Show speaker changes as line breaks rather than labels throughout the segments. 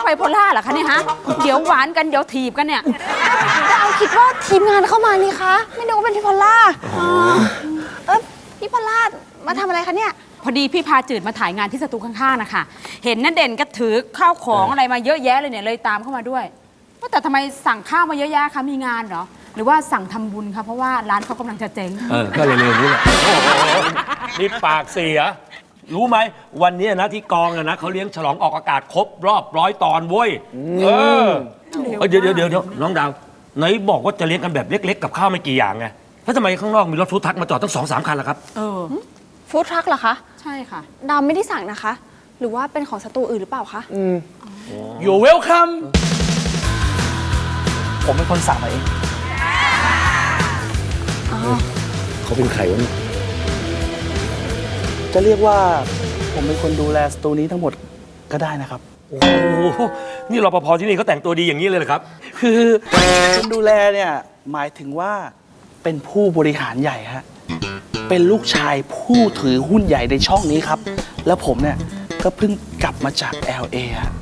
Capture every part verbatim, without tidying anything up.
ไบโพล่าเหรอคะเนี่ยฮะเดี๋ยวหวานกันเดี๋ยวถีบกันเนี่ย
ดาวคิดว่าทีมงานเข้ามานี่คะไม่นึกว่าเป็นพี่พอลล่าเออพี่พอลล่ามาทำอะไรคะเนี่ย
พอดีพี่พาจืดมาถ่ายงานที่สตูข้างๆนะคะเห็นนั่นเด่นก็ถือข้าวของอะไรมาเยอะแยะเลยเนี่ยเลยตามเข้ามาด้วยว่าแต่ทำไมสั่งข้าวมาเยอะแยะคะมีงานเหรอหรือว่าสั่งทำบุญคะเพราะว่าร้านเขากำลังจะเจ๊ง
เออก็เร็วๆนี้แหละนี่ปากเสียรู้ไหมวันนี้นะที่กองนะเขาเลี้ยงฉลองออกอากาศครบรอบร้อยตอนเว้ยเออเดี๋ยวเดี๋ยวเดี๋ยวน้องดาวไหนบอกว่าจะเลี้ยงกันแบบเล็กๆกับข้าวไม่กี่อย่างไงแล้วทำไมข้างนอกมีรถฟู้ดทรัคมาจอดตั้งสองสามคันล่ะครับ
เออ
ฟู้ดทรัคเหรอคะ
ใช่ค่ะ
ดาวไม่ได้สั่งนะคะหรือว่าเป็นของสตูอื่นหรือเปล่าคะ
อืม
You're welcome ผมเป็นคนสั่งมาเอง
เขาเป็นใครวะ
จะเรียกว่าผมเป็นคนดูแลสตูนี้ทั้งหมดก็ได้นะครับ
โอ้โหนี่รปภที่นี่เขาแต่งตัวดีอย่างนี้เลยเหรอครับ
คือคนดูแลเนี่ยหมายถึงว่าเป็นผู้บริหารใหญ่ฮะเป็นลูกชายผู้ถือหุ้นใหญ่ในช่องนี้ครับแล้วผมเนี่ยก็เพิ่งกลับมาจาก แอล เอ ฮะ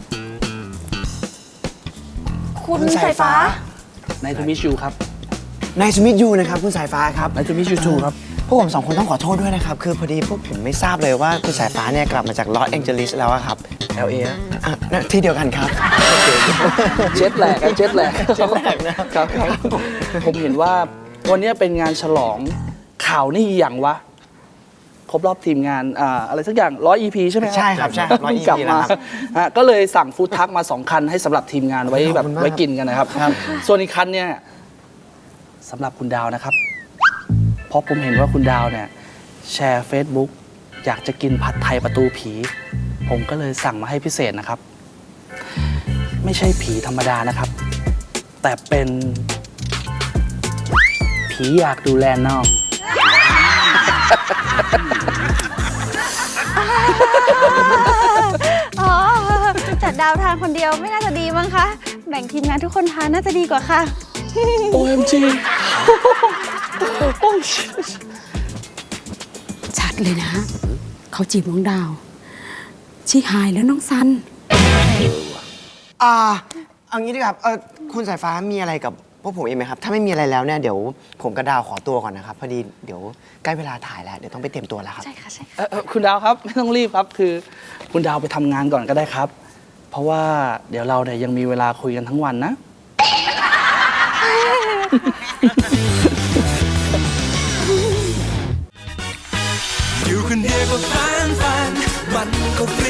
คุณสายฟ้า
ในทูมิชูครับ
นายสมิธยูนะครับคุณสายฟ้าครับ
ในทูมิชูชูครับ
พวกผมสองคนต้องขอโทษด้วยนะครับคือพอดีพวกผมไม่ทราบเลยว่าคุณสายฟ้าเนี่ยกลับมาจากลอสแองเจลิสแล้วครับ แอล เอ อ่ะที่เดียวกันครับ
เจ็ตแลกเจ็ตแลก
เจ็ตแลกนะครับ
ผมเห็นว่าวันนี้เป็นงานฉลองข่าวนี่อย่างวะครบรอบทีมงานอ่าอะไรสักอย่างร้อย อี พี ใช่ไหม
ใช่ครับใช่ร้อย อี
กลับ
พี
มา
นะครับ
ก็เลยสั่งฟู้ดทักมาสองคันให้สำหรับทีมงานไว้แบบไว้กินกันนะครับส่วนอีกคันเนี่ยสำหรับคุณดาวนะครับเพราะผมเห็นว่าคุณดาวเนี่ยแชร์ Facebook อยากจะกินผัดไทยประตูผีผมก็เลยสั่งมาให้พิเศษนะครับไม่ใช่ผีธรรมดานะครับแต่เป็นผีอยากดูแลน้อง
อ๋อจัดดาวทานคนเดียวไม่น่าจะดีมั้งคะแบ่งทีมงานทุกคนทานน่าจะดีกว่าค่ะ
โอ เอ็ม จี
ชัดเลยนะเขาจีบน้องดาวชีหายแล้วน้องซัน
อ่าเอางี้ดีครับเออคุณสายฟ้ามีอะไรกับพวกผมเองไหมครับถ้าไม่มีอะไรแล้วเนี่ยเดี๋ยวผมกับดาวขอตัวก่อนนะครับพอดีเดี๋ยวใกล้เวลาถ่ายแล้วเดี๋ยวต้องไปเตรียมตัวแล้วครับ
ใช่ค่ะใช่
เออคุณดาวครับไม่ต้องรีบครับคือคุณดาวไปทำงานก่อนก็ได้ครับเพราะว่าเดี๋ยวเราเนี่ยยังมีเวลาคุยกันทั้งวันนะ
อยู่คนเดียวก็ฟันฟันมันก็